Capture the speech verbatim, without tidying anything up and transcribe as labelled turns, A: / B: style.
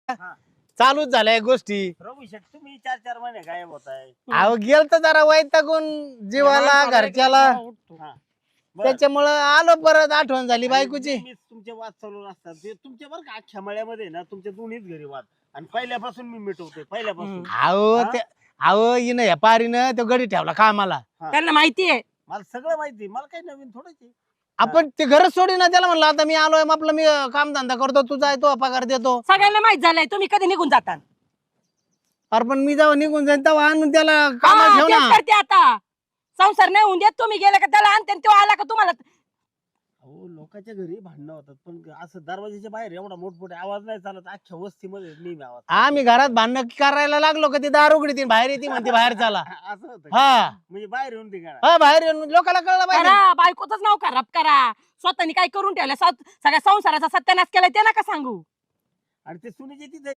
A: चालूच झाल्या गोष्टी.
B: रघु शेठ तुम्ही चार चार महिने गायब होताय.
A: अहो गेल तर जरा वैतागून जीवाला घरच्याला,
B: हा. बरं.
A: त्याच्यामुळं आलो परत, आठवण झाली बायकोची.
B: नेहमीच तुमचे वाद चालू असतात ते तुमचे बरं का अख्ख्या मळ्यामध्ये ना तुमच्या दोन्हीच घरी वाद आणि पहिल्यापासून मी मिटवतोय पहिल्यापासून.
A: अहो
B: हा?
A: ते अहो हिनं या पारीनं तो गडी ठेवला कामाला.
C: त्यांना माहितीये
B: मला सगळं माहिती मला काही नवीन थोडंच आहे.
A: आपण ते घरच सोडी ना, त्याला म्हणलं आता मी आलोय आपलं, मी काम धंदा करतो, तू जाय, तो पगार देतो.
C: सगळ्यांना माहित झालंय तुम्ही कधी निघून जाता.
A: अरे पण मी जेव्हा निघून जाईन तेव्हा आणून त्याला
C: हा,
A: कामाला ठेव
C: तेच
A: ना.
C: करते आता. संसार नाही होऊन देत तुम्ही गेले का त्याला आणते आणि तो आला का तुम्हाला.
B: अहो लोकांच्या घरी भांडणं होतात पण असं दरवाजाच्या बाहेर एवढा मोठमोठे आवाज नाही चालत. अख्ख्या वस्तीमध्ये नेहमी आवाज.
A: आम्ही घरात भांडण करायला लागलो का ती दार उघडी बाहेर येते म्हणते बाहेर चला.
B: असं होतं का?
A: हा
B: म्हणजे बाहेर येऊन ते गाणं.
A: हा बाहेर येऊन लोकांना कळलं पाहिजे.
C: करा बायकोच नाव खराब करा. स्वतःनी काय करून ठेवलं, सगळ्या संसाराचा सत्यानाश केलाय ते नका सांगू.
B: आणि ते सुनीचे तिथे